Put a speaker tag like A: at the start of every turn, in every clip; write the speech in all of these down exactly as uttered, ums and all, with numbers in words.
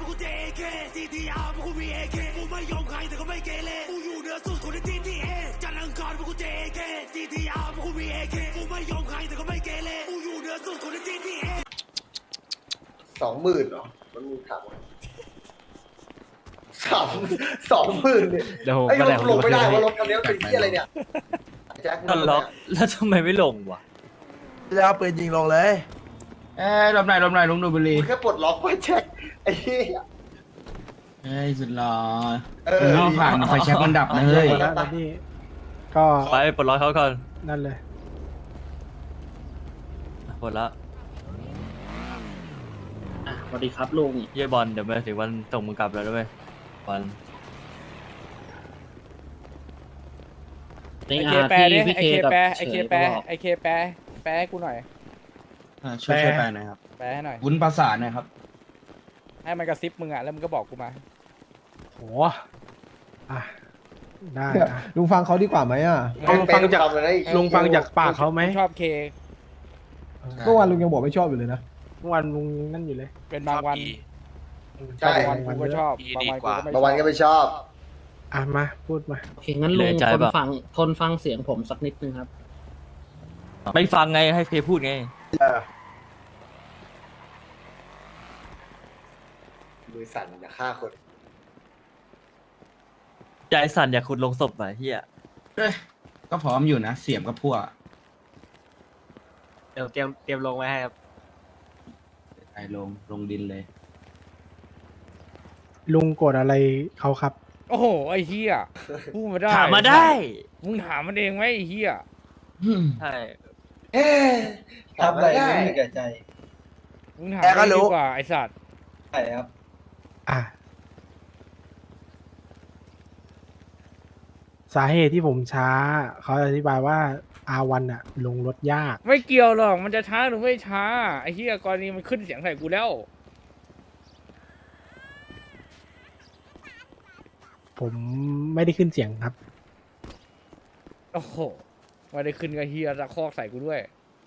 A: กูเจเคซีทีอาร์พวกกูมีเอเคกูไม่ยอมใครแต่ก็ไม่เกเรกูอยู่เหนือสุดคนในทีทีเอจันทร์อังคารพวกกูเจเคซีทีอาร์พวกกูมีเอเคกูไม่ยอมใครแต่ก็ไม่เกเรกูอยู่เหนือสุดคนในทีทีเอ
B: สองหมื่นเหรอมันมีถามสองสองหมื่นเนี่ยไอ้รถลงไม่ได้ว่ารถคันนี้เป็นที่อะไรเนี่ยแจ็คมันล็อก
C: แล้วทำไมไม่ลงวะ
D: จะเอาปืนยิงลงเลย
E: เอ้ยลมไหนลมไหนลุงดูบุรี
B: แค่ปลดล็อกไว้แจ็คไอ้เหี้ย
E: เฮ้ยสุดหล่อเออผ่านไฟแช็กมันดับนะเฮ้ย
C: ก็ไปปลดล็อกเขาก่อน
D: นั่นเลย
C: ปลดละ
E: สวัสดีครับลุง
C: เย่บอลเดี๋ยวมาถึงวันส่งมึงกลับแล้วด้วยบอล
F: ไอเคแปรดิไอเคแปรไอเคแปรไอเคแปรแปรให้กูหน่อย
E: ช่วยช่วยแปลหน่อยครับ
F: แปลให้หน่อย
E: วุ้นภาษาหน่อยครับ
F: ให้มันกระซิบมึงอ่ะแล้วมึงก็บอกกูมา
D: โหอ่ะได้ลุงฟังเขาดีกว่าไหมอ่ะลุงฟังจากลุงฟังจากปากเขาไหม
F: ชอบเค
D: เมื่อวานลุงยังบอกไม่ชอบอยู่เลยนะเมื่อวานลุงนั่นอยู่เลย
F: เป็นบางวัน
B: ใช่
F: บางวันกูก็ชอบบางวันกูก็ไม่
B: บางวันก็ไม่ชอบ
D: อ่ะมาพูดมา
G: โอเคงั้นลุงทนฟังทนฟังเสียงผมสักนิดนึงครับ
C: ไม่ฟังไงให้เพพูดไง
B: มือสั่นอย่าฆ่าคน
C: ใจสั่นอยากขุดลงศพไปเฮีย
E: ก็พร้อมอยู่นะเสียมกับพวก
C: เดี๋ยวเตรียมเตรียมลงไว้ให้ครับ
E: ไอ้ลงลงดินเลย
D: ลุงโกรธอะไรเขาครับ
F: โอ้โหไอ้เหี้ยพูดมาได้
C: ถามมาได้
F: มึงถามมันเองไหมไอ้เหี้ย
C: ใช่
B: เอ๊ะทำอะไรไม่มีแก่ใจ
F: มึงถามมันดีกว่าไอ้สัตว์
B: ใช่ครับ
D: อ่ะสาเหตุที่ผมช้าเขาอธิบายว่าอาวันอะลงรถยาก
F: ไม่เกี่ยวหรอกมันจะช้าหรือไม่ช้าไอ้เหี้ยกรณีมันขึ้นเสียงใส่กูแล้ว
D: ผมไม่ได้ขึ้นเสียงครับ
F: โอ้โหไม่ได้ขึ้นกับเฮียตะคอกใส่กูด้วย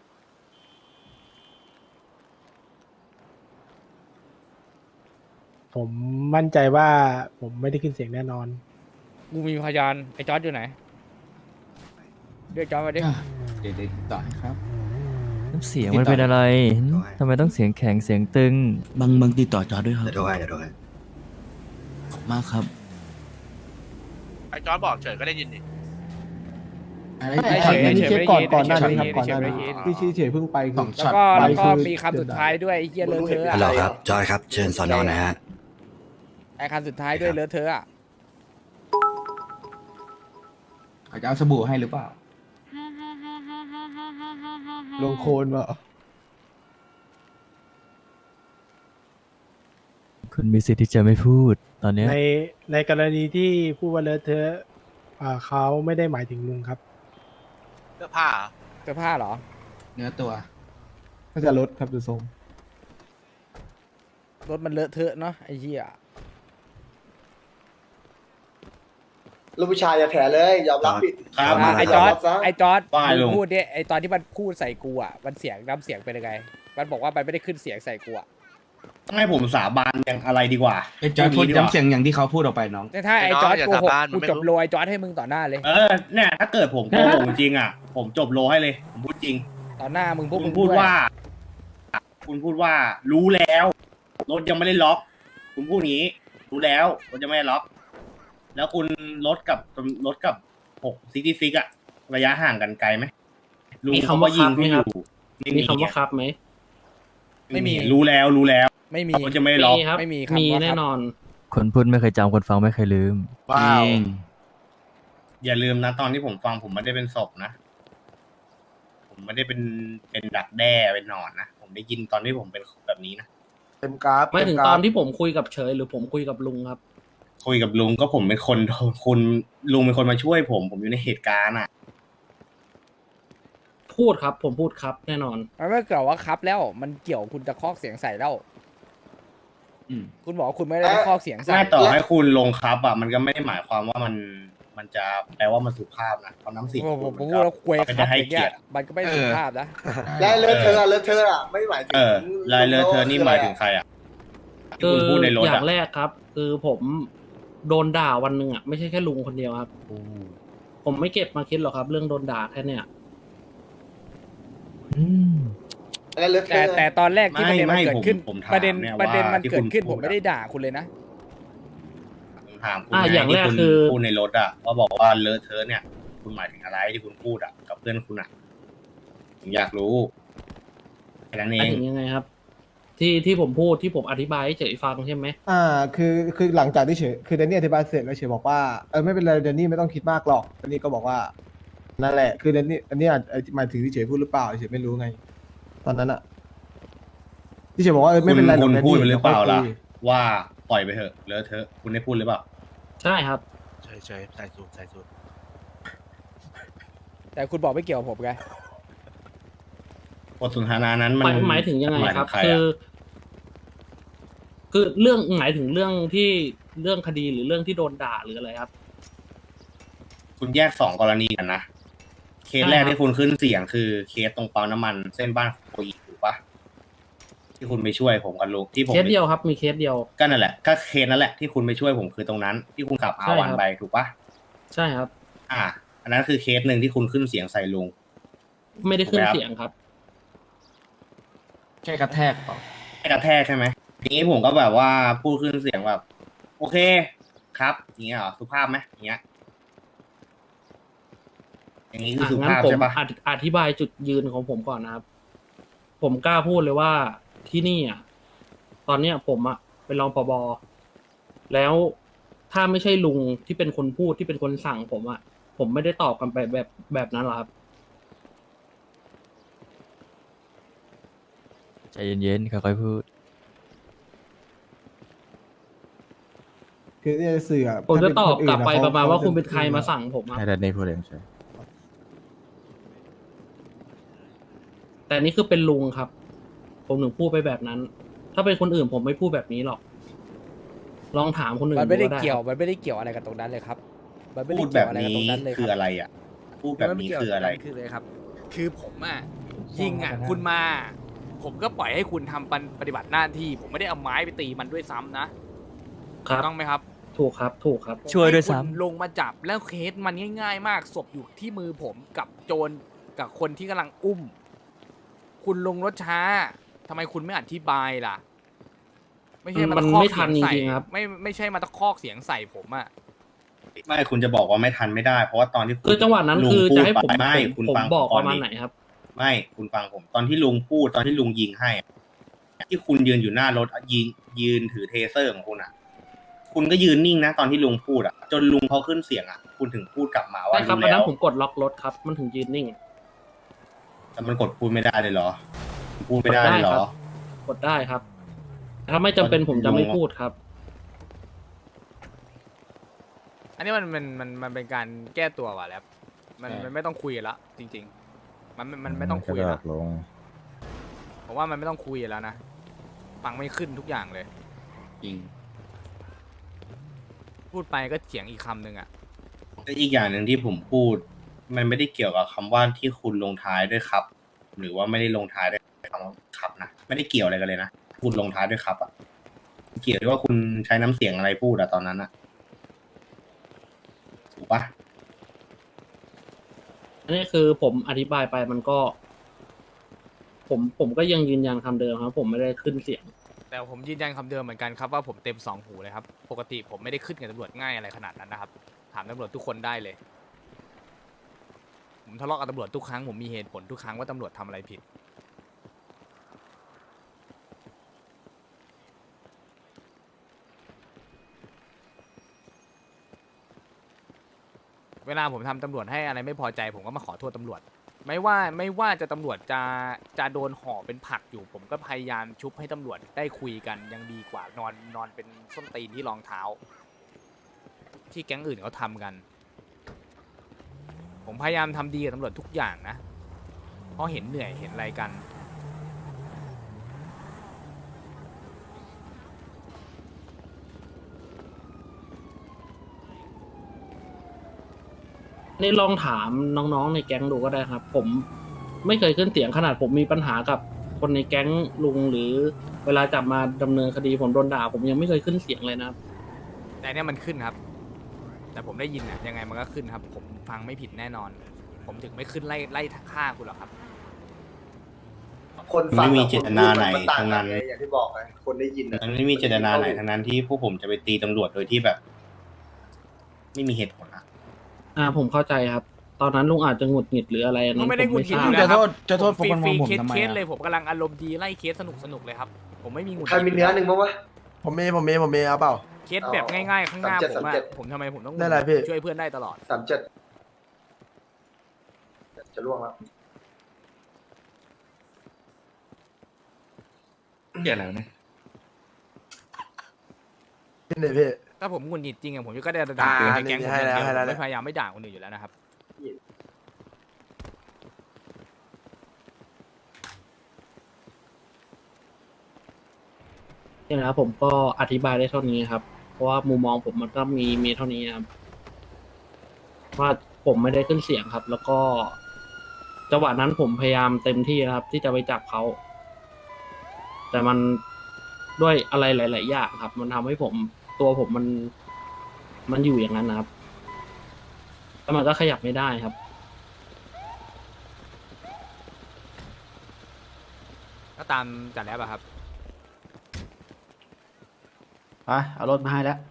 D: ผมมั่นใจว่าผมไม่ได้ขึ้นเสียงแน่นอน
F: กูมีพยานไอ้จอร์จอยู่ไหนเรียกจอร์จมาดิ
E: เดี๋ยวต่อครับ
C: น้ำเสียงมันเป็นอะไรทำไมต้องเสียงแข็งเสียงตึง
E: บางบางติดต่อจอร์จด้วยครับ
B: เดี๋ยวด้วยเดี๋ยวด้วย
E: ขอบมากครับ
H: ไอ้จอร์จบอกเฉยก็ได้ยินดิ
D: ไอ้เฉยเฉยก่อนก่อนหน้านี้ครับก่อนหน้านี้พี่ชี้เฉยเพิ่งไป
F: แล้วก็แล้วก็มีคำสุดท้ายด้วยไอ้เหี้ยเลอะเทอะ
B: ฮัลโหลครับจอยครับเชิญสอนอนะฮะ
F: ไอ้คำสุดท้ายด้วยเลอะเทอะอ่ะ
E: เขาจะเอาสบู่ให้หรือเปล่า
D: ลงโคนวะ
C: คุณมีสิทธิ์ที่จะไม่พูดตอนนี้
D: ในในกรณีที่พูดว่าเลอะเทอะเขาไม่ได้หมายถึงลุงครับ
H: เสื้อผ้า
F: เสื้อผ้าเหรอ
E: เนื้อตัว
D: ก็จะลดครับดูทรง
F: รถมันเลอะเทอะเนาะไอ้เหี้ย
B: ลูกผู้ชายอย่าแถเลยยอมรับผิด
F: ครับไอ้จอร์ดไอ้จอร์ดมึงพูดดิไอ้ตอนที่มันพูดใส่กูอ่ะมันเสียงน้ำเสียงเป็นยังไงมันบอกว่ามันไม่ได้ขึ้นเสียงใส่กูอ่ะ
H: ต้องให้ผมสาบานอย่างอะไรดีกว่า
E: ไอ้จอร์ดพูดย้ำเสียงอย่างที่เขาพูดออกไปน้อง
F: แต่ถ้าไอ้จอร์ดโกหกกูจบโลไอ้จอร์ดให้มึงต่อหน้าเลย
H: เออเนี่ยถ้าเกิดผมโกหกจริงอ่ะผมจบโลให้เลยผมพูดจริง
F: ต่อหน้ามึงพวก
H: คุณพูดว่าคุณพูดว่ารู้แล้วรถยังไม่ได้ล็อกคุณพูดงี้รู้แล้วรถยังไม่ได้ล็อกแล้วคุณรถกับรถกับหกซิตี้ซิกอะระยะห่างกันไกลไหม
G: มีคำว่ายิงพี่อยู่มีคำว่าครับไหม
F: ไม่มี
H: รู้แล้วรู้แล้ว
F: ไม่มี
H: มันจะไม่ล็อก
F: ไม่มี
G: มีแน่นอน
C: คนพูดไม่เคยจำคนฟังไม่เคยลืม
H: ว้าวอย่าลืมนะตอนที่ผมฟังผมไม่ได้เป็นศพนะผมไม่ได้เป็นเป็นดักแด้เป็นหนอนนะผมได้ยินตอนที่ผมเป็นแบบนี้นะ
D: เต็มกราฟ
G: ไม่ถึงตอนที่ผมคุยกับเฉยหรือผมคุยกับลุงครับ
H: คุยกับลุงก็ผมเป็นคนคุณลุงเป็นคนมาช่วยผมผมอยู่ในเหตุการณ์อ่ะ
G: พูดครับผมพูดครับแน่นอน
F: มันไม่เกี่ยวว่าครับแล้วมันเกี่ยวคุณจะคอกเสียงใส่แล้วคุณบอกว่าคุณไม่ได้คอกเสียงใส่
H: ต่อให้คุณลงครับอ่ะมันก็ไม่ได้หมายความว่ามันมันจะแปลว่ามันสุภาพนะเพราะน้ำเสียง
F: ผมพูดแล้วคุยครับอย่างเงี้ยมันก็ไม่สุภาพนะ
B: ลายเลอะเทอะเลอะเทอะอ่ะไม่หมายถึง
H: ลายเลอะเทอะนี่หมายถึงใครอ่ะที่คุณพูดในรถ
G: อย่าง
H: อะ
G: แรกครับ คือผมโดนด่าวันหนึ่งอ่ะไม่ใช่แค่ลุงคนเดียวครับ ผมไม่เก็บมาคิดหรอกครับ เรื่องโดนด่าแค่เนี้ย
C: อืม
B: แล้วเลือก
F: แต่แต่ตอนแรกที่ประเด็นมัน
H: ไม่
F: เกิดขึ้น
H: ผมผมถาม
F: ประเด็น
H: เนี่ย
F: ประเด็น
H: ว่า
F: มัน
H: ที่
F: เกิดขึ้น
H: คุณ
F: ผมไม่
H: พูดอะ
F: ได้ด่าคุณเลยนะ
H: ผมถามคุณ
G: อ่ะ
H: ไง
G: อย่างแรก
H: ที่คุณ
G: คือ
H: พูดในรถอะว่าบอกว่าเลอะเทอะเนี่ย คุณหมายถึงอะไรที่คุณพูดอะกับเพื่อนคุณอะผมอยากรู้แค่นั้นเอ
G: หมาย
H: ง
G: ถึงยังไงครับ ที่ที่ผมพูดที่ผมอธิบายให้เฉยฟังใช่ไหม
D: อ่าคือคือหลังจากที่เฉยคือแดนนี่อธิบายเสร็จแล้วเฉยบอกว่าเออไม่เป็นไรแดนนี่ไม่ต้องคิดมากหรอกแดนนี่ก็บอกว่านั่นแหละคือแดนนี่อันนี้อาจหมายถึงที่เฉยพูดหรือเปล่าเฉยไม่รู้ไง ตอนนั้นอะที่เฉยบอกว่าเออไม่เป็นไรหร
H: คุ
D: อก
H: ณ
D: แดน
H: พูด
D: นี่
H: ไปหรือเปล่าล่ะ
D: ดี๋ยวค่อยคุย
H: ว่าปล่อยไปเถอะเลอะเทอะคุณได้พูดหรือเปล่า
G: ใช่ครับ
A: ใช่ใช่ใส่สูตรใส่สูตร
F: แต่คุณบอกไม่เกี่ยวกับผมไง
H: บทสนทนานั้นมัน
G: หมายหมายถึงยังไง
H: หมาย
G: ค
H: ถึ
G: รับ
H: งใคร
G: คือ
H: อะ
G: คือเรื่องหมายถึงเรื่องที่เรื่องคดีหรือเรื่องที่โดนด่าหรืออะไรครับ
H: คุณแยกสองกรณีกันนะ เคสแรกที่คุณขึ้นเสียงคือเคสตรงปั๊มน้ำมันเส้นบ้านโคอีถูกปะที่คุณไปช่วยผมกับลุงที่ผม
G: เคสเดียวครับ มีเคสเดียว
H: ก็นั่นแหละก็เคสนั่นแหละที่คุณไปช่วยผมคือตรงนั้น ที่คุณขับอา
G: ใช่
H: วัน
G: ครับ
H: ไปถูกปะ
G: ใช่ครับ
H: อ่า อันนั้นคือเคสหนึ่งที่คุณขึ้นเสียงใส่ลุง
G: ไม่ได้ขึ้น
H: ถูกไหมครับ
G: เสียงครับ
E: แค่กระแทกเปล่า
H: ให้กระแทกใช่ไหมทีนี้ผมก็แบบว่าพูดขึ้นเสียงแบบ โอเคครับอย่างเงี้ยเหรอสุภาพไหมอย่างเงี้ยอย่างนี้คือ
G: อ่ะ
H: สุ
G: งั้น
H: ภาพ
G: ผม
H: ใช่ปะ
G: อธิอธิบายจุดยืนของผมก่อนนะครับ ผมกล้าพูดเลยว่าที่นี่อ่ะตอนเนี้ยผมอ่ะเป็นรองผบ.แล้วถ้าไม่ใช่ลุงที่เป็นคนพูดที่เป็นคนสั่งผมอ่ะผมไม่ได้ตอบกันไปแบบแบบนั้นหรอกครับ
C: ใจเย็นๆค่อยๆพูด
D: คือเนี่ยสื่ออะ
G: ผมจะ
D: ถ้าเป็น
G: ตอบ
D: นอื่น
G: กลับไป
D: เข
G: ประมาณว่า
D: เข
G: คุณเป็นใครมาสั่งผมอะ
I: ให้แดนนี่พูดเองใช่
G: แต่นี่คือเป็นลุงครับ ผมถึงพูดไปแบบนั้น ถ้าเป็นคนอื่นผมไม่พูดแบบนี้หรอก ลองถามคนอื่น
F: มันไม่ได้
G: ดู
F: เกี่ยว
G: ครับ
F: มันไม่ได้เกี่ยวอะไรกับตรงนั้นเลยครับ มันไม่
H: พู
F: ได้
H: ด
F: เกี่
H: แบ
F: ยว
H: บ
F: อะไรกับ
H: นี้
F: ตรงนั้นเลย
H: คือ
F: ครับ
H: อะไรอ่ะ พูดแบบนี้คืออะไร
F: คือเลยครับ คือผมอ่ะยิงอ่ะคุณมา ผมก็ปล่อยให้คุณทำปฏิบัติหน้าที่ ผมไม่ได้เอาไม้ไปตีมันด้วยซ้ำนะครับ ถูกต้องไหมครับ
G: ถูกครับ ถูกครับ
C: ช่วยด้วยซ้ำ
F: ให้คุณลงมาจับแล้วเคสมันง่าย ๆ มากศพอยู่ที่มือผมกับโจรกับคนที่กำลังอุ้ม คุณลงรถช้าทำไมคุณไม่อธิบายล่ะ ไม่ใช่มา
G: มัน
F: ตะคอก
G: ไม่ทั
F: เสีย
G: น
F: งใส่
G: จริงๆครับ
F: ไม่ไม่ใช่มาตะคอกเสียงใส่ผมอ่ะ
H: ไม่คุณจะบอกว่าไม่ทันไม่ได้ เพราะว่าตอนที่ณ
G: คือจังหวะนั้น
H: ลุง
G: คือ
H: พู
G: จะ
H: ด
G: ให้ผม
H: ไปไม่
G: ผม
H: คุณ
G: ผม
H: ฟัง
G: บอก
H: ก่
G: ป
H: อน
G: ระมาณ
H: ดิ
G: ไหนครับ
H: ไม่คุณฟังผม ตอนที่ลุงพูดตอนที่ลุงยิงให้อะที่คุณยืนอยู่หน้ารถยิงยืนถือเทเซอร์ของคุณอ่ะ คุณก็ยืนนิ่งนะตอนที่ลุงพูดอ่ะ จนลุงเขาขึ้นเสียงอ่ะ คุณถึงพูดกลับมาว่า
G: ใช่ครับ
H: รู้
G: อัน
H: แล้
G: นั้
H: วน
G: ผมกดล็อกรถครับ มันถึงยืนนิ่ง
H: แต่มันกดพูดไม่ได้เลยเหรอ พูดไม่ได้เลยเหรอ
G: กดได้ครับ ถ้าไม่จำเป็นผมจะไม่พูดครับ
F: อันนี้มันมันมันมันเป็นการแก้ตัวว่ะแล้วมันมันไม่ต้องคุยกันละจริง ๆ มันมันมันไม่ต้องคุย
I: กระ
F: ละ
I: ดาษลง
F: ผมว่ามันไม่ต้องคุยแล้วนะฟังไม่ขึ้นทุกอย่างเลย
E: จริง
F: พูดไปก็เถียงอีกคำหนึ่งอ่ะ
H: ก็อีกอย่างหนึ่งที่ผมพูด มันไม่ได้เกี่ยวกับคำว่าที่คุณลงท้ายด้วยครับ หรือว่าไม่ได้ลงท้ายด้วยคำว่าครับนะไม่ได้เกี่ยวอะไรกันเลยนะคุณลงท้ายด้วยครับอ่ะเกี่ยวด้วยว่าคุณใช้น้ำเสียงอะไรพูดอะตอนนั้นอะถูกปะ
G: อันนี้คือผมอธิบายไปมันก็ ผมผมก็ยังยืนยันคำเดิมครับ ผมไม่ได้ขึ้นเสียง
F: แต่ผมยืนยันคำเดิมเหมือนกันครับว่าผมเต็มสองหูเลยครับปกติผมไม่ได้ขึ้นกับตำรวจง่ายอะไรขนาดนั้นนะครับถามตำรวจทุกคนได้เลย ผมทะเลาะกับตำรวจทุกครั้งผมมีเหตุผลทุกครั้งว่าตำรวจทำอะไรผิด เวลาผมทำตำรวจให้อะไรไม่พอใจผมก็มาขอโทษตำรวจ ไม่ว่าไม่ว่าจะตำรวจจะจะโดนห่อเป็นผักอยู่ ผมก็พยายามชุบให้ตำรวจได้คุยกันยังดีกว่านอนนอนเป็นส้นตีนที่รองเท้า ที่แก๊งอื่นเขาทำกัน ผมพยายามทำดีกับตำรวจทุกอย่างนะ เพราะเห็นเหนื่อยเห็นอะไรกัน
G: นี่ลองถามน้องๆในแก๊งดูก็ได้ครับ ผมไม่เคยขึ้นเสียงขนาดผมมีปัญหากับคนในแก๊งลุงหรือเวลาจับมาดำเนินคดีผมโดนด่าผมยังไม่เคยขึ้นเสียงเลยนะครับ
F: แต่เนี่ยมันขึ้นครับ แต่ผมได้ยินอะยังไงมันก็ขึ้นครับ ผมฟังไม่ผิดแน่นอน ผมถึงไม่ขึ้นไล่ไล่ฆ่าคุณหรอกครับ
B: คนฟัง
H: ไม่มีเจตนาไหน
B: มัต่าง
H: ทั้ง
B: กั
H: นั้น
B: ไงอย่างที่บอกไงคนได้ยินอะ
H: มันไม่มีเจตนาไหนทั้งนั้นที่พวกผมจะไปตีตำรวจโดยที่แบบ ไม่มีเหตุผลอะ
G: อ่าผมเข้าใจครับ ตอนนั้นลุงอาจจะหงุดหงิดหรืออะไรอันนั้
F: ก็
G: น
F: ไม่ได้
G: ผม
F: หงุดหงิด
G: ท
F: อ
G: ราบ
F: ยู่แล้วครับ
E: จะโทษ
F: ฟรี
E: โฟกัส
F: ฟรี
E: มองผม
F: เคส
E: ทำไมอะ
F: เคสเลยผมกำลังอารมณ์ดีไล่เคสสนุกสนุกเลยครับ ผมไม่มีหงุดห
B: ใคร
F: งิด
B: มีเนื้อหนึ่งบ้างวะ
I: ผมมีผมมีผมมีเอาเปล่า
F: เคสแบบง่ายๆข้างหน้า
B: สามเจ็ด
F: ผมอะ
B: สามเจ็ด
F: ผมทำไมผมต้อง
I: ได้อะไรพี่
F: ช่วยเพื่อนได้ตลอด
B: สามเจ็ดจะล่วงแล้ว
E: เกี่ยอะไรเนี่ย
I: พี่เนี่ยพี่
F: ถ้าผมหงุดหงิดจริงอะผมก็ได้ด่า
I: อ่า
F: ในแก๊งผม
I: ให้
F: อย่าง
I: แล้ว
F: เดียว
I: ให้แล้ว
F: ผมไม่พยายามไม่ด่าคนอื่นอยู่แล้วนะครับ
G: นี่นะครับผมก็อธิบายได้เท่านี้ครับ เพราะว่ามุมมองผมมันก็มีมีเท่านี้ครับว่าผมไม่ได้ขึ้นเสียงครับ แล้วก็จังหวะนั้นผมพยายามเต็มที่นะครับ ที่จะไปจับเขา แต่มันด้วยอะไรหลาย ๆ อย่างครับ มันทำให้ผมตัวผมมันมันอยู่อย่างนั้นนะครับแล้วมันก็ขยับไม่ได้ครับ
F: ก็ตามจัดแล้วอะครับ
E: ไปเอารถมาให้แล้ว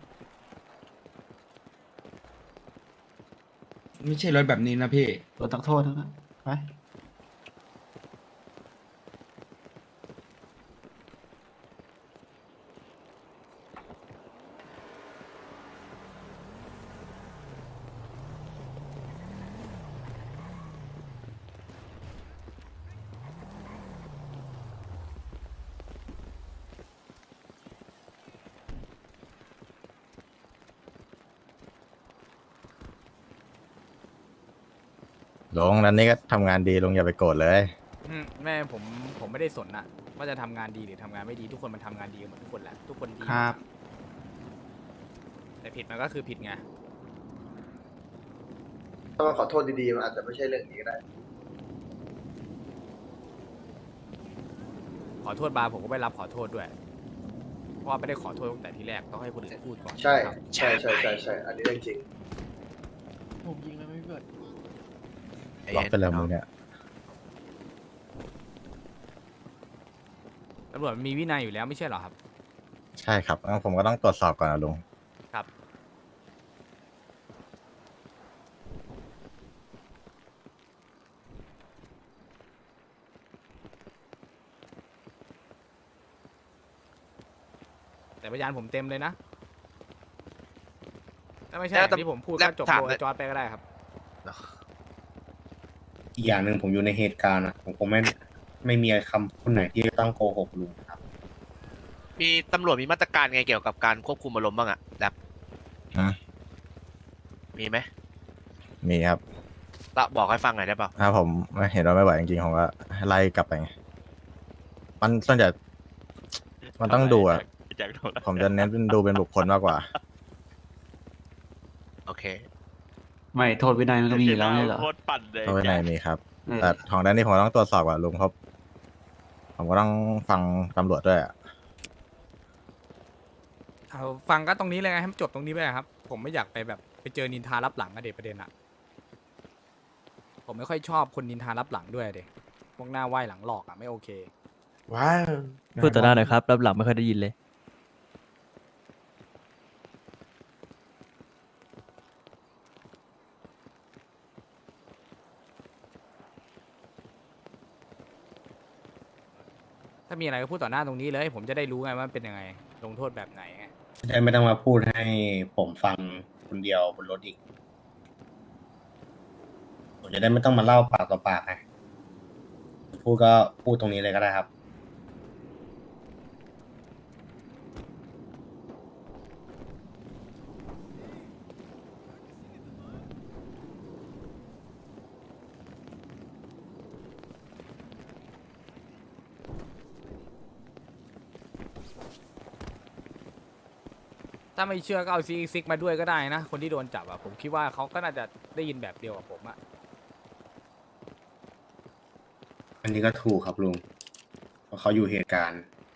E: ไม่ใช่รถแบบนี้นะพี่รถตักโทษนะไป
J: ลงนั้นนี่ก็ทำงานดีลงอย่าไปโกรธเลย
F: อืมแม่ผมผมไม่ได้สนอะว่าจะทำงานดีหรือทำงานไม่ดีทุกคนมันทำงานดีกันหมดทุกคนแหละทุกคนดี
E: ครับ
F: แต่ผิดมันก็คือผิดไง
B: ถ้ามันขอโทษดีๆมันอาจจะไม่ใช่เรื่องนี้ก็ได้
F: ขอโทษบาร์ผมก็ไม่รับขอโทษด้วย เพราะว่าไม่ได้ขอโทษตั้งแต่ทีแรกต้องให้คนอื่นพูดก่อน
B: ใช่
F: ครับ
B: ใช่ใช่ใช่ใช่อันนี้เรื่องจริง
E: ผมยิงแล้วไม่เกิด
J: ล็อกไปแล้วมึงเนี่ย
F: ตำรวจมันมีวินัยอยู่แล้วไม่ใช่เหรอครับ
J: ใช่ครับงั้นผมก็ต้องตรวจสอบก่อนนะลุง
F: ครับ แต่พยานผมเต็มเลยนะถ้าไม่ใช่อย่างที่ผมพูดก็จบโดยจอร์ดไปก็ได้ครับ
H: อีกอย่างหนึ่งผมอยู่ในเหตุการณ์อะผมคงไม่ไม่มีคำพูดไหนที่จะต้องโกหกลุงครับ
K: มีตำรวจมีมาตรการไงเกี่ยวกับการควบคุมอารมณ์บ้างอะแบบ
J: ฮะ
K: มีไหม
J: มีครับ
K: ละบอกให้ฟังหน่อยได้เปล่า
J: ถ้าผมไม่เห็นว่าไม่ไหวจริงๆผมก็ไล่กลับไปไงมันส่วนใหญ่มันต้องดูอะผมจะเน้นเป็นดูเป็นบุคคลมากกว่า
K: โอเค
E: ไม่โทษวินัยมันก็มีอยู่แล้วไม่ใช่เหรอ
K: โคตรปั่นเลย
J: เพราะว่าในมีครับ
E: เออ
J: แต่ของด้านนี้ผมก็ต้องตรวจสอบก่อนลุงครับผมก็ต้องฟังตำรวจด้วยอะ
F: เอาฟังก็ตรงนี้เลยไงให้มันจบตรงนี้ไปครับ ผมไม่อยากไปแบบไปเจอนินทารับหลังอะเด็ประเด็นอะผมไม่ค่อยชอบคนนินทารับหลังด้วยเด็พวกหน้าไหว้หลังหลอกอะไม่โอเค
I: ว้าว
C: พูดต่อหน้าหน่อยครับรับหลังไม่ค่อยได้ยินเลย
F: ถ้ามีอะไรก็พูดต่อหน้าตรงนี้เลย ผมจะได้รู้ไงว่ามันเป็นยังไง ลงโทษแบบไหนไง
H: จะได้ไม่ต้องมาพูดให้ผมฟังคนเดียวบนรถอีก ผมจะได้ไม่ต้องมาเล่าปากต่อปากไงพูดก็พูดตรงนี้เลยก็ได้ครับ
F: ถ้าไม่เชื่อก็เอาซีซิกมาด้วยก็ได้นะ คนที่โดนจับอะผมคิดว่าเขาก็น่าจะได้ยินแบบเดียวกับผมอะ
H: อันนี้ก็ถูกครับลุงเพราะเขาอยู่เหตุการณ์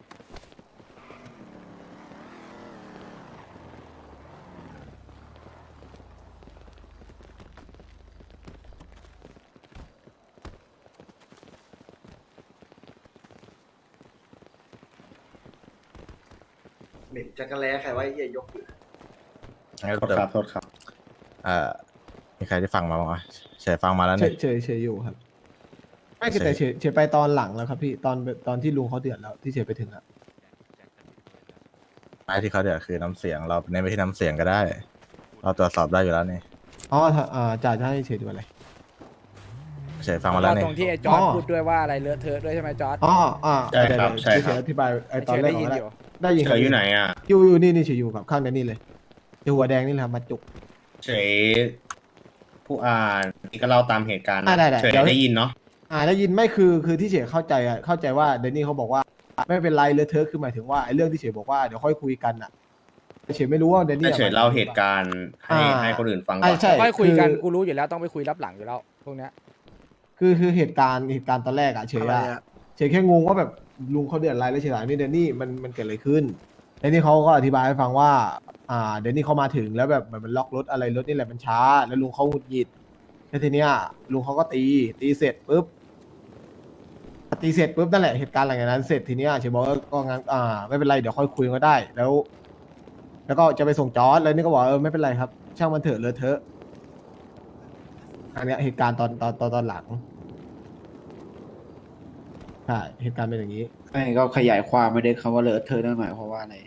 B: เหม็นจักรแล้ใครว่าไอ้เหี้ยยกอยู่
J: งั้น
H: โทษครับโทษครับ
J: เอ่อมีใครที่ฟังมาบ้างวะเฉยฟังมาแล้ว
D: เฉ
J: เนี่ย
D: ยเฉยเฉยอยู่ครับไม่คือ
J: เฉย
D: แต่เฉยเฉยไปตอนหลังแล้วครับพี่ตอนตอนที่ลุงเขาเดือดแล้วที่เฉยไปถึงอะ
J: ไอ้ที่เขาเดือดคือน้ำเสียงเราเน้นไปที่น้ำเสียงก็ได้ เราตรวจสอบได้อยู่แล้วนี่
D: อ๋อถ้าอ่าจ่าจะให้เฉยดูอะไร
J: เฉยฟังมาแล้วนี่
F: ตรงที่ไอ้จอร์ด
D: อ๋อ
F: พูดด้วยว่าอะไรเลอะเทอะด้วยใช่ไหมจอร์ด
D: อ๋ออ่า
H: ใช่ครับ
D: เดี๋ยว
H: ใช่
D: เดี๋ยว
H: ครับ
D: เฉยอธิบายไอ้ตอนแรก
F: ได้ยิน
D: ของ
F: อยู่
D: ได้ยิน
H: เฉยอยู่ไหนอ่ะ
D: อยู่อยู่นี่นี่เฉยอยู่กับข้างแดนนี่เลยอยู่หัวแดงนี่แหละครับมาจุก
H: เฉยผู้อ่านนี่ก็เล่าตามเหตุการณ์นะ
D: อ่าได้ได้
H: เฉย
D: เดี๋ยว
H: ได้ยินเนาะ
D: อ่าได้ยินไม่คือคือที่เฉยเข้าใจอะเข้าใจว่าเดนนี่เขาบอกว่าไม่เป็นไรเลยเธอะคือหมายถึงว่าไอ้เรื่องที่เฉยบอกว่าเดี๋ยวค่อยคุยกันอะเฉยไม่รู้ว่าเดนนี่
H: ถ้าเฉยเล่าเหตุการณ์ให้
D: อ่า
H: ให้คนอื่นฟังก่
D: อ่า
H: อน
D: ใช่
F: ค่อยคุยกัน
D: คือ
F: กูรู้อยู่แล้วต้องไปคุยรับหลังอยู่แล้วพวกเนี้ย
D: คือคือเหตุการณ์เหตุการณ์ตอนแรกอะเฉย
I: อะไร
D: อะ
I: อะ
D: เฉยแค่งงว่าแบบลุงเขาเดือดร้อนแล้วเฉยถามนี่เดนนี่มันมันเกิดอะไรขึ้นเดนนี่เขาก็อธิบายให้ฟังว่าอ่าเดนนี่เขามาถึงแล้วแบบมันล็อกรถอะไรรถนี่แหละมันช้า แล้วลุงเขาหงุดหงิดแล้วทีเนี้ยลุงเขาก็ตีตีเสร็จปุ๊บตีเสร็จปุ๊บนั่นแหละเหตุการณ์หลังจากนั้นเสร็จทีเนี้ยเฉยบอกว่าก็งั้นอ่าไม่เป็นไรเดี๋ยวค่อยคุยก็ได้แล้ว แล้วก็จะไปส่งจอร์ดแล้วนี่ก็บอกเออไม่เป็นไรครับ ช่างมันเถอะเลอะเทอะอันเนี้ยเหตุการณ์ตอนตอนตอนตอนหลังใช่เหตุการณ์เป็นอย่างนี้
E: ไม่ก็ขยายความไม่ได้คำว่าเลอะเทอะนั่นหมายความว่าอะไร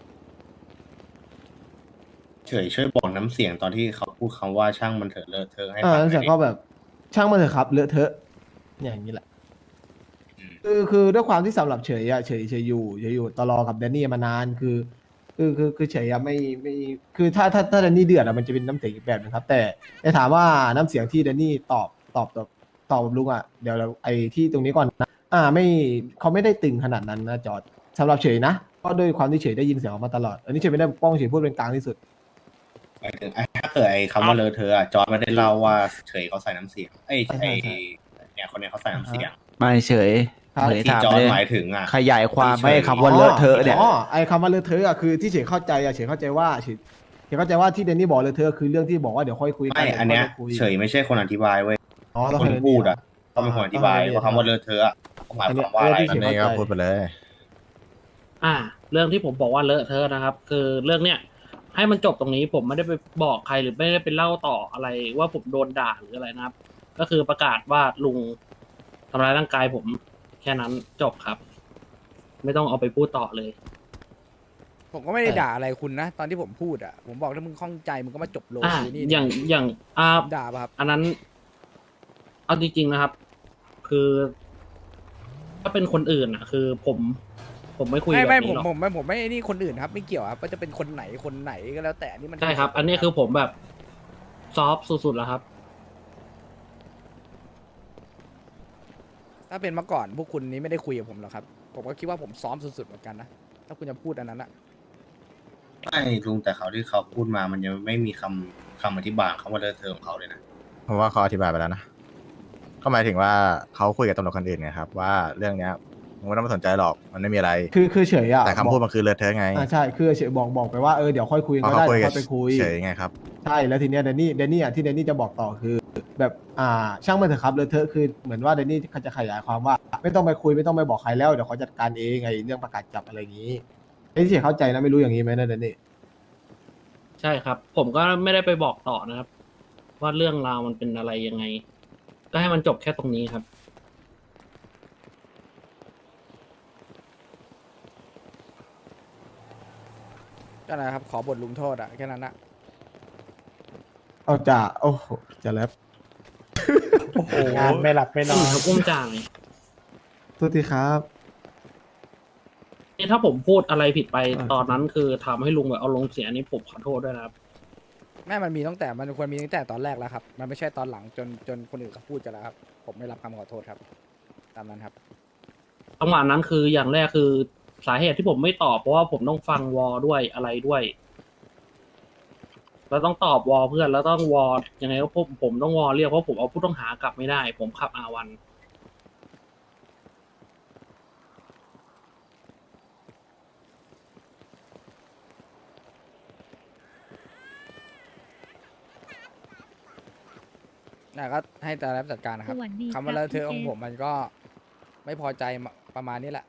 H: เฉยช่วยบอกน้ำเสียงตอนที่เขาพูดคำว่าช่างมันเถอะเลอะเทอะให้
D: อ่า
H: ฟังห
D: แล้ว
H: น่
D: เสร็
H: อ
D: จ
H: ย
D: ก็
H: ดิ
D: แบบช่างมันเถอะครับเลอะเทอะอย่างนี้แหละ คือคือด้วยความที่สำหรับเฉยอะเฉยเฉยอยู่เฉยอยู่ตลอกับแดนนี่มานานคือ คือคือคือเฉยอะไม่ไม่คือถ้าถ้าถ้าแดนนี่เดือดอะมันจะเป็นน้ำเสียงอีกแบบนึงครับ แต่แต่ถามว่าน้ำเสียงที่แดนนี่ตอบตอบตอบตอบกับลุงอะเดี๋ยวเราไอ้ที่ตรงนี้ก่อนนะอ่าไม่เขาไม่ได้ตึงขนาดนั้นนะจอร์ดสำหรับเฉยนะเพราะด้วยความที่เฉยได้ยินเสียงออกมาตลอดอันนี้เฉยไม่ได้ป้องเฉยพูดเป็นกลางที่สุด
H: หมายถึงไอ้ถ้าเกิดไอ้คำว่าเลอะเทอะอะจอร์จไม่ได้เล่าว่าเฉยเขาใส่น้ำเสียงไอ้ย
D: ใช่
H: ไอ้
D: ใช่
H: เนี่ยคนเนี้ยเขาใส่น้ำเสียง
E: ไม่เฉย
D: ครับ
E: เฉย
H: ที่
E: ถาม
H: จอร์จ
E: เลย
H: หมายถึงอ่ะ
E: ขยายความ
H: ที่เฉย
E: ไม่คำว่าเลอะเทอะเนี่ย
D: อ๋อไอ้คำว่าเลอะเทอะอะคือที่เฉยเข้าใจอะเฉยเข้าใจว่าเฉยเฉยเข้าใจว่าที่แดนนี่บอกเลอะเทอะคือเรื่องที่บอกว่าเดี๋ยวค่อยคุยกั
H: ไม่อันเนี้ย
D: ดี๋วค่คุ
H: เฉยไม่ใช่คนอธิบายเว้ย
D: อ๋อต้อง
H: คน
D: ให้
H: พูดอ่ะ
D: อ่า
H: ต้องเป็นคนอธิบาย
D: ต้องให้
H: ว่าคำว่าเลอะเทอะอะเขาหมายความว่าอะไร
D: อันเนี้ย
J: อันนี้ก็พูดไปเลย
G: อ่า เรื่องที่ผมบอกว่าเลอะเทอะนะครับ คือเรื่องเนี้ยให้มันจบตรงนี้ผมไม่ได้ไปบอกใครหรือไม่ได้ไปเล่าต่ออะไรว่าผมโดนด่าหรืออะไรนะครับ ก็คือประกาศว่าลุงทำร้ายร่างกายผมแค่นั้นจบครับ ไม่ต้องเอาไปพูดต่อเลย
F: ผมก็ไม่ได้ด่าอะไรคุณนะ ตอนที่ผมพูดอ่ะผมบอกถ้ามึงข้องใจมึงก็มาจบโล
G: อ่า
F: กูนี่
G: อย่างอย่างอ่า
F: ด่าป่ะครับ
G: อันนั้น เอาจริงๆนะครับ คือ ถ้าเป็นคนอื่นอ่ะ คือผม ผมไม่คุย
F: ไม่
G: แบบ
F: ไม่ผ
G: นี้
F: ม
G: หรอก
F: ผมไม่ผมไม่นี่คนอื่นครับ ไม่เกี่ยวครับว่าจะเป็นคนไหนคนไหนก็แล้วแต่นี่มัน
G: ใช่ครับ อันนี้คือผมแบบซอฟต์สุดๆแล้วครับ
F: ถ้าเป็นเมื่อก่อนพวกคุณนี้ไม่ได้คุยกับผมหรอกครับผมก็คิดว่าผมซ้อมสุดๆเหมือนกันนะถ้าคุณจะพูดอันนั้นอะ
H: ไม่ลุงแต่เขาที่เขาพูดมามันยังไม่มีคำคำอธิบายคำว่าเลอะเทอะของเขาเลยนะ
J: เพราะว่าเขาอธิบายไปแล้วนะก็หมายถึงว่าเขาคุยกับตำรวจคนอื่นไงครับ ว่าเรื่องเนี้ยมึงไม่ต้องมาสนใจหรอกมันไม่มีอะไร
D: คือคือเฉยอะ
J: แต่คำพูด
D: บอก
J: มันคือเลอะเทอะไง
D: อ่าใช่คือเฉยบอกบอกไปว่าเออเดี๋ยวค่อยคุย
J: เพ
D: ก็
J: ราะเขา
D: ได้
J: คุย
D: เดี๋ยว
J: กั
D: ค่อยไปคุย
J: เฉยไงครับ
D: ใช่แล้วทีเนี้ยแดนนี่แดนนี่อ่ะที่แดนนี่จะบอกต่อคือ แบบอ่าช่างมันเถอะครับเลอะเทอะคือเหมือนว่าแดนนี่เขาจะขยายความว่า ไม่ต้องไปคุยไม่ต้องไปบอกใครแล้วเดี๋ยวเขาจัดการเองไงเรื่องประกาศจับอะไรอย่างนี้ไอ้ที่เฉยเข้าใจนะไม่รู้อย่างนี้ไหมนะแดนนี่
G: ใช่ครับ ผมก็ไม่ได้ไปบอกต่อนะครับ ว่าเรื่องราวมันเป็นอะไรยังไง ก็ให้มันจบแค่ตรงนี้ครับ
F: ก็นะครับขอบทลงโทษอะแค่นั้นอะ
D: เอาจ่าโอ้โหจะแลบ
E: งานไม่หลับไม่นอน
G: ครับอุ้มจ่าง
D: โทษทีครับ
G: นี่ถ้าผมพูดอะไรผิดไป
D: อ่า
G: ตอนนั้นคือทำให้ลุงแบบเอาลงเสียนี่ผมขอโทษด้วยนะครับ
F: แม่มันมีตั้งแต่มันควรมีตั้งแต่ตอนแรกแล้วครับ มันไม่ใช่ตอนหลังจนจนคนอื่นเขาพูดกันแล้วครับ ผมไม่รับคำขอโทษครับ ตามนั้นครับ
G: จังหวะนั้นคืออย่างแรกคือสาเหตุที่ผมไม่ตอบเพราะว่าผมต้องฟังวอด้วยอะไรด้วย แล้วต้องตอบวอเพื่อนแล้วต้องวอยังไงก็ผมผมต้องวอเรียกเพราะผมเอาผู้ต้องหากลับไม่ได้ ผมขับอาวัน
F: น่ะก็ให้แต่รับจัดการนะครับ
L: สวัสดี
F: คำว่าเลอะเทอะ
L: ครับ
F: ของ
L: พี่
F: ผมมันก็ไม่พอใจมาประมาณนี้แหละ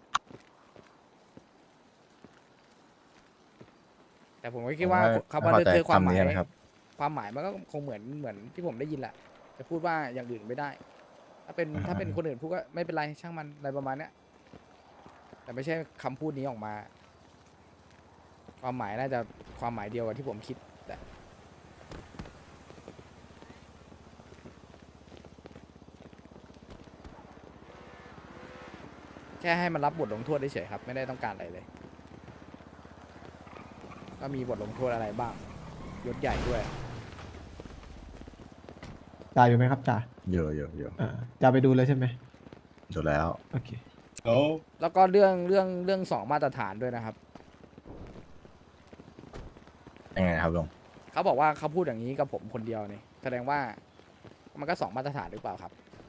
F: แต่ผมก็คิดว่า
J: ผมไม่
F: คำว่า
J: ไม่
F: เล
J: พอใจ
F: อะเทอะความห
J: คำนี้
F: มาย
J: นะครับ
F: ความหมายมันก็คงเหมือนเหมือนที่ผมได้ยินแหละ จะพูดว่าอย่างอื่นไม่ได้ ถ้าเป็น
J: อ่า
F: ถ้าเป็นคนอื่นพูดก็ไม่เป็นไรช่างมันอะไรประมาณเนี้ยแต่ไม่ใช่คำพูดนี้ออกมา ความหมายน่าจะความหมายเดียวกับที่ผมคิดแต่แค่ให้มันรับบทลงโทษเฉยๆครับ ไม่ได้ต้องการอะไรเลย ก็มีบทลงโทษอะไรบ้างยศใหญ่ด้วย
D: จ่าอยู่ไหมครับจ่า
J: เยอะเยอะเยอะ
D: อ่าจ่าไปดูเลยใช่ไหม
J: ดูแล้ว
D: โอเค
H: โอ้
F: แล้วก็เรื่องเรื่องเรื่องสองมาตรฐานด้วยนะครับ
J: ยังไงครับลุง
F: เขาบอกว่าเขาพูดอย่างนี้กับผมคนเดียวนี่แสดงว่ามันก็สองมาตรฐานหรือเปล่าครับ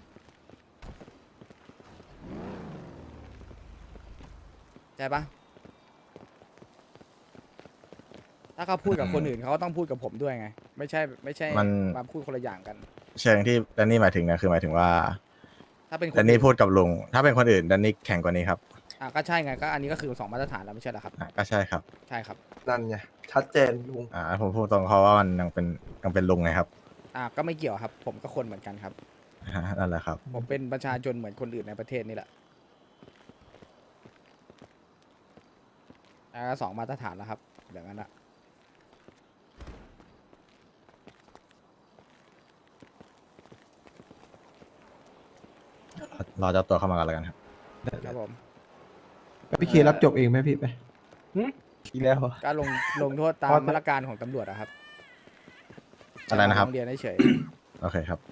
F: ใช่ปะถ้าเขาพูดกับคนอื่นเขาก็ต้องพูดกับผมด้วยไง ไม่ใช่ไม่ใช่
J: มัน
F: มาพูดคนละอย่างกัน
J: เชิงที่แดนนี่หมายถึงนะคือหมายถึงว่า
F: ถ้าเป็นคน
J: แดนนี่พูดกับลุงถ้าเป็นคนอื่นแดนนี่แข็งกว่านี้ครับ
F: อ่ะก็ใช่ไงก็อันนี้ก็คือสองมาตรฐานแล้วไม่ใช่เหรอครับ
J: อ่ะก็ใช่ครับ
F: ใช่ครับ
I: นั่นไงชัดเจนลุง
J: อ่าผมพูดตรงเขาว่ามันยังเป็นยังเป็นลุงไงครับ
F: อ่ะก็ไม่เกี่ยวครับ ผมก็คนเหมือนกันครับ
J: อ่านั่นแหละครับ
F: ผมเป็นประชาชนเหมือนคนอื่นในประเทศนี่แหละอ่ะสองมาตรฐานแล้วครับอย่างนั้นอะ
J: รอเจ้าตัวเข้ามากันแล้วกันครับ
F: ครับผม
D: พี่เครับจบเองไหมพี่ไปอีกแล้วเหรอ
F: ก็ลงลงโทษตา
D: พอ
F: มมาตรการของตำรวจอะครับ
J: อะไรนะครับ
F: โรงเรียนเฉย
J: โอเคครับ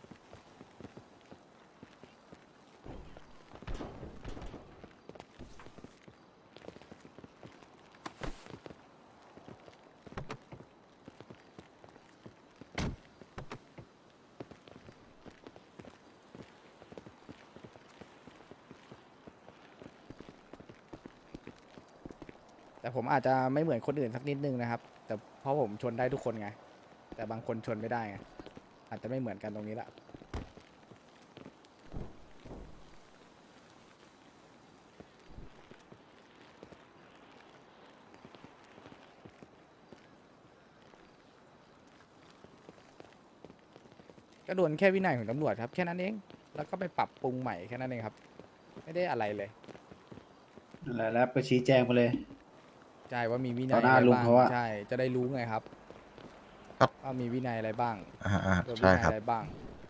F: ๆแต่ผมอาจจะไม่เหมือนคนอื่นสักนิดนึงนะครับ แต่เพราะผมชนได้ทุกคนไง แต่บางคนชนไม่ได้ไงอาจจะไม่เหมือนกันตรงนี้แหละ ก็โดนแค่วินัยของตำรวจครับแค่นั้นเอง แล้วก็ไปปรับปรุงใหม่แค่นั้นเองครับ ไม่ได้อะไรเลย
E: นั่นแหละแล้วไปชี้แจงไปเลย
F: ใช่ว่ามีวินั
E: ต่
F: ย
E: อหน้า
F: อะไร
E: ลุง
F: บ้าง
E: เขาอะ
F: ใช่จะได้รู้ไงครับ
J: ครับ
F: ว่ามีวินัยอะไรบ้าง
J: อ่าอ่า
F: โดนวิ
J: ใช่
F: นัย
J: ครับ
F: อะไรบ้าง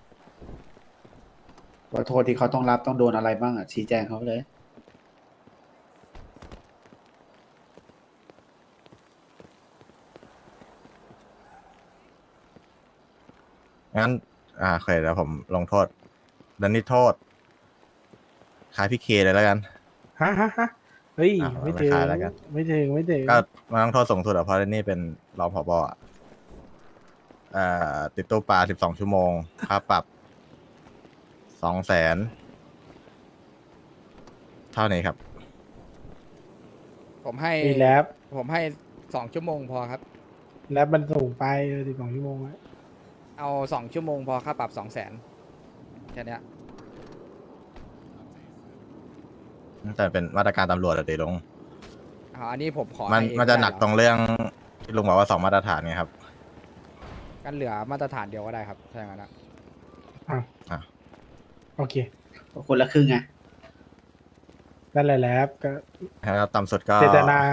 E: ว่าโทษที่เขาต้องรับต้องโดนอะไรบ้างอ่ะชี้แจงเขาไปเลย
J: งั้น อ่าโอเคเดี๋ยวผมลงโทษแดนนี่โทษคล้ายพี่เคเลยแล้วกัน
D: ฮะฮะฮะเฮ้ย
J: อ่ะ
D: ไม่ถึง
J: ไม่ขายแล้วกัน
D: ไม่ถึงไม่ถึง
J: ก็มันต้องโทษสูงสุดอะเพราะแดนนี่เป็นรองผบอะเอ่อติดตู้ปลาสิบสองชั่วโมงค่าปรับสองแสนเท่านี้ครับ
F: ผมให้
D: มีแล็บ
F: ผมให้สองชั่วโมงพอครับ
D: แล็บมันสูงไปสิบสองชั่วโมงอะ
F: เอาสองชั่วโมงพอค่าปรับสองแสนแค่เนี้ย
J: แต่เป็นมาตรการตำรวจอะเดี๋ยวลง
F: เอาอันนี้ผมขอ
J: มัน
F: ให้เอง
J: มันจะหนัก
F: ได้
J: ตรงเรื่องที่ลุงบอกว่าสองมาตรฐานไงครับ
F: กันเหลือมาตรฐานเดียวก็ได้ครับถ้าอย่างนั้นนะ
J: อ่ะ
D: โอเค
E: คนละครึ่งไง
D: นั่นแหละแล็บก็
J: แล้วต่ำสุดก็
D: เจตนา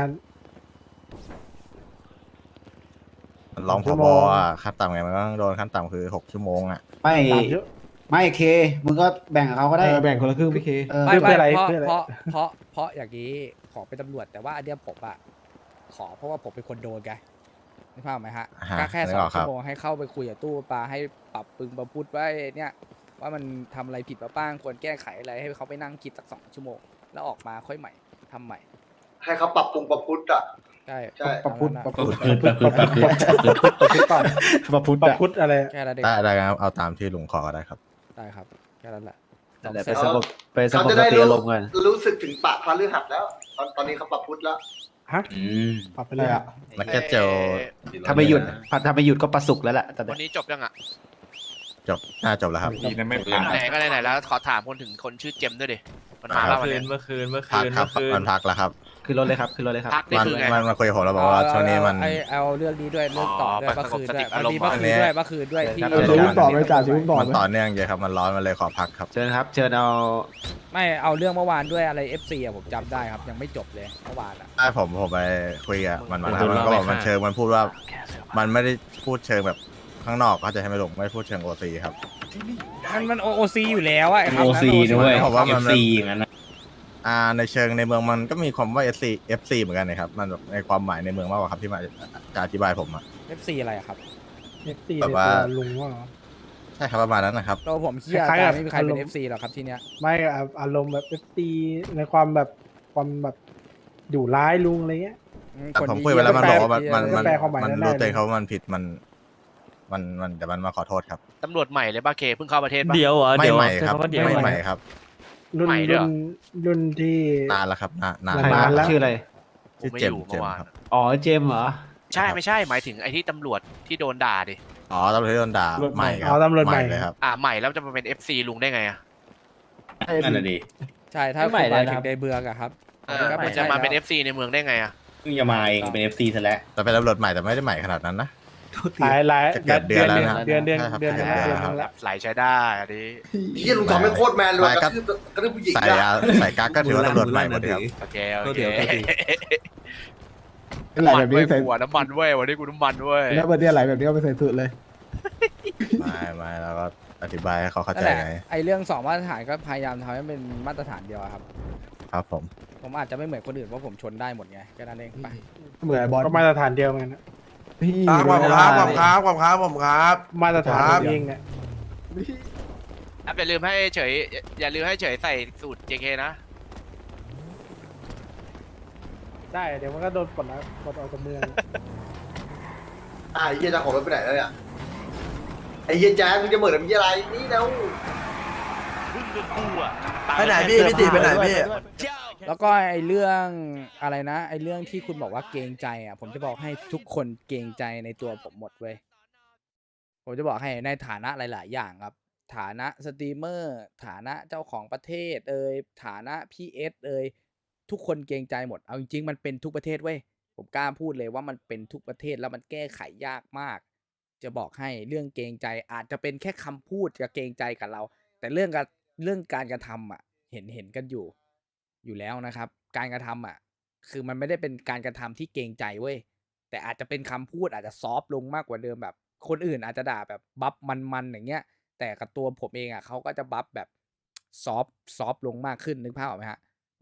J: รองผ
D: ชั่ว
J: บ
D: โมง
J: อะขั้นต่ำไงมันก็ต้องโดนขั้นต่ำคือหกชั่วโมงอะ
E: ไม่
D: สามชั่ว
E: ไม่เค มึงก็แบ่งกับเขาก็ได้
D: เออแบ่งคนละครึ่งพี่เค
E: เออ
F: ไม่
D: เพื่
F: ไม่
D: ออะไร
F: เพราะ
D: เพื่ออะไร
F: เพราะเพราะเพราะอย่างนี้ขอเป็นตำรวจ แต่ว่าอันเนี้ยผมอะขอเพราะว่าผมเป็นคนโดนไงนึกภาพไหมฮะ
J: อ่าฮะ
F: ก็แค่
J: นึ
F: ส
J: ก
F: อ
J: อง อกค
F: ชั่
J: รับ
F: วโมงให้เข้าไปคุยกับตู้ปลาให้ปรับปรุงประพุทธไว้เนี่ยว่ามันทำอะไรผิดมาบ้างควรแก้ไขอะไรให้เขาไปนั่งคิดสักสองชั่วโมง แล้วออกมาค่อยใหม่ทำใหม่
B: ให้เขาปรับปรุงประพุทธอ่ะ
F: ใช่
B: ใช่
D: ประพุทธ
F: ตาม
D: ประ
F: นั้น
D: พุทธประพุทธประพุทธประพุทธก่อน
E: ประพุทธ
D: ประพุทธอะไร
F: แค่นั้นเอง
J: ได้ได้ครับเอาตามที่ลุงขอก็ได้ครับ
F: ได้ครับแค่นั้นแหละ
E: นั่นแหละ
F: สอง
E: ไป
F: แสน
E: สงบไปส
B: เขา
E: งบ
B: จะ
E: ส
B: ได้
E: ติ
B: รู้
E: อารมณ์กัน
B: รู้สึกถึงปะพาลือหัดแล้ว ตอนตอนนี้เขาปรับพุทธแล้ว
D: ฮะ
E: อืม
D: ปรับไปเลยอะ
J: นักเก็ตเจล
E: ถ้าไม่หยุดถ้าไม่หยุดก็ประสุกแล้วแหละแต่
K: วันนี้จบยังอ่ะ
J: จจบน่าจบแล้วครับ
E: ดีนะไม่ผ่าน
K: ไหนก็ไหนๆแล้วขอถามคนถึงคนชื่อเจมส์ด้วยดิมันมา
J: ครั
K: แล้
J: บ
K: ววันเนี้ย
C: เมื่อคืนเมื่อ
J: พั
C: คื
J: ก
C: น
J: ครับ
C: เมื่อคืน
J: มันพักแล้วครับ
E: คือรถเลยครับคือรถเลยครับ
K: พักนี่
J: มัน
K: คือไง
J: มันมาคุยกับผมแล้วบอกว่าช่วงนี้มัน
F: ไอเอาเรื่องนี้ด้วยเรื่องต่อด้วย
K: อ๋อ
F: เมื่อคืนด้วย
K: ไปสงบสติอาร
F: มัน
K: มณ์
F: มีเมื่อคืนด้วยเมื่อคืนด้วยที่
E: ครับ
D: เออชีวิตต่อไปจ่าชีวิตต่อ
J: มัน
D: ไป
J: ต่อเนื่องเยอะครับมันร้อนมันเลยขอพักครับ
E: เชิญครับ เชิญเอา
F: ไม่เอาเรื่องเมื่อวานด้วยอะไร เอฟ ซี อ่ะผมจำได้ครับยังไม่จบเลยเมื่อวานอ่ะ
J: ใช่ผมผมไปคุยกับมันมาแล้วมันก็บอกมันเชิงมันพูดว่า มันไม่ได้พูดเชิงแบบข้างนอกเขาใจะให้ไม่ลงไม่ได้พูดเชิงโอซีครับ
F: มันมันโอซีอยู่แล้วอะไอ้ครับ
E: โอซีด้วย
J: ผมว่ามัน
E: เอฟซีอย่างนั้นนะ
J: อ่าในเชิงในเมืองมันก็มีความว่า เอฟ ซี เอฟ ซี เหมือนกันนะครับมันแบบในความหมายในเมืองมากกว่าครับที่มาจะอธิบายผมอะ
F: เอฟซีอะไรอะครับ
D: เอฟซี
J: แบบว่า
D: ลุงว่า
J: ใช่ครับประมาณนั้นนะครับ
F: ตัวผมเฮีย
D: คล้ายๆ
F: แต่
D: กับ
F: ไม่มีใครเป็น
D: อารมณ์
F: เอฟซีหรอกครับที่เนี้ย
D: ไม่อารมณ์แบบเอฟซีในความแบบความแบบดุร้ายลุงอะไรเงี้ย
F: อื
J: แต่
F: คน
J: ผม
F: นี้
J: คุยไปแล้วมันบอกว่ามัน
F: เหี้ย
J: มันมัน
D: แปลความหมาย
J: มัน
D: ได้
J: รู้
D: เลย
J: ตัวเองเขาว่ามันผิดมัน มันมันแต่มันมาขอโทษครับ
K: ตำรวจใหม่เลยป่ะเคเพิ่งเข้าประเทศป่ะ
C: เดี๋ยวเหรอ่ะ
J: ไม่
C: เดี๋ยว
J: ใหม่
C: ใช้
J: ครับ
C: คำว่าเดี๋ยว
J: ไม่
C: เหรอ
J: ใหม่ครับ
D: รุ่น
K: ใหม่ด้วย
D: รุ่
K: เหรอ
D: นรุ่นที่
J: นานแล้วครับนานนาน
D: นานแล้ว
E: ชื่ออะไร
K: ผมไม่
J: เจ
K: อ
J: ม
K: ยู่
J: ส์เจ
K: เมื่
J: ม
K: อ
J: ส์
K: วาน
J: ครับ
E: อ๋อ เจมส์เหรอ
K: ใช่ไม่ใช่หมายถึงไอ้ที่ตำรวจที่โดนด่าดิ
J: อ๋อตำรวจที่โดนด่า
D: ตำรวจ
J: ใหม่ครั
D: อ๋อตำรวจใหม่
J: เลยครับ
K: อ่าใหม่แล้วจะมาเป็น เอฟ ซี ลุงได้ไงอ่ะ
E: นั่นน่ะดิ
F: ใช่ถ้า
E: ไม่ใหม่
F: คุณหมาย
E: เลย
F: ถึ
E: นะครั
F: ง
E: บ
F: ในเบืองอะครับ
K: เออ
F: ก็
K: มัน
F: ไใช่
K: จะมาเป็น
F: แล้ว
K: เอฟ ซี ในเมืองได้ไงอ่ะ
H: เพิ่งจะมาเองเป็น เอฟ ซี ซะแล้ว
J: แต่เป็นตำรวจใหม่แต่ไม่ได้ใหม่ขนาดนั้นนะ
D: หลายหลาย
J: จะเกือบเดือนแล้วนะ
D: เดือนเดือน
J: ใช่ครับ
D: เดือนเดือน
J: ใช่
D: เดือน
J: ครั
D: นึ
J: บ
D: งแล้ว
K: ไหลใช้ได้อันนี้
B: เฮียลุงทอมไม่โคตรแมนเลย
J: ไม่
B: ก
J: ก็
B: ระทืบกระทืบผู้หญิง
J: ใส่
B: อะ
J: ยาใส่กั๊กก็ถือว่าตำรวจใหม่หมดเลยครับ
K: โอเคโอเค
D: ไหล
K: น้ำมั
D: แบ
K: น
D: บ
K: เว้
D: นี้
K: ย
D: ใส่
K: หัวน้ำมันเว้ยวันนี้กูน้ำมันเว้ย
D: แล้วประเดี๋ยวไหลแบบนี้ก็ไปใส่สุดเลย
J: ไม่ไม่แล้วก็อธิบายให้เขาเข้า
F: นั่
J: ใจ
F: นแหละ
J: ไง
F: ไอเรื่องสองมาตรฐานก็พยายามทำให้เป็นมาตรฐานเดียวอะครับ
J: ครับผม
F: ผมอาจจะไม่เหมือนคนอื่นเพราะผมชนได้หมดไงแค่นั้นเองไป
D: เหมือนไอ้บอสก็มาตรฐานเดียวกันนะพี่
I: ครับผมครับผมครับผมครับผมครับ
D: มาตรฐาน
I: ครับ
D: เองเนี่ย
K: อ่ะอย่าลืมให้เฉยอย่าลืมให้เฉยใส่สูตร เจ เค นะ
D: ได้เดี๋ยวมันก็โดนปลดแล้วปลดออกจากเมือง
B: อ่าไอ้เฮียเจะของรถไปไหนแล้วเนี่ยไอ้เฮียแจ๊คมึงจะเหมือนมีอะไรนี่แล้ว
I: ไปไหนพี่พี่ติไปไหนพี่
F: แล้วก็ไอเรื่องอะไรนะไอเรื่องที่คุณบอกว่าเกรงใจอ่ะผมจะบอกให้ทุกคนเกรงใจในตัวผมหมดเว้ยผมจะบอกให้ในฐานะหลาย ๆ อย่างครับ ฐานะสตรีมเมอร์ฐานะเจ้าของประเทศเอ่ยฐานะพีเอสเอ่ยทุกคนเกรงใจหมดเอาจริง ๆ มันเป็นทุกประเทศเว้ยผมกล้าพูดเลยว่ามันเป็นทุกประเทศแล้วมันแก้ไขยากมาก จะบอกให้เรื่องเกรงใจอาจจะเป็นแค่คำพูดจะเกรงใจกับเรา แต่เรื่องการเรื่องการกระทำอ่ะเห็นเห็นกันอยู่ อยู่แล้วนะครับ การกระทำอ่ะ คือมันไม่ได้เป็นการกระทำที่เกรงใจเว้ยแต่อาจจะเป็นคำพูดอาจจะซอฟต์ลงมากกว่าเดิมแบบ คนอื่นอาจจะด่าแบบบัฟมันๆอย่างเงี้ย แต่กับตัวผมเองอ่ะเขาก็จะบัฟแบบซอฟต์ซอฟต์ลงมากขึ้นนึกภาพออกไหมฮะ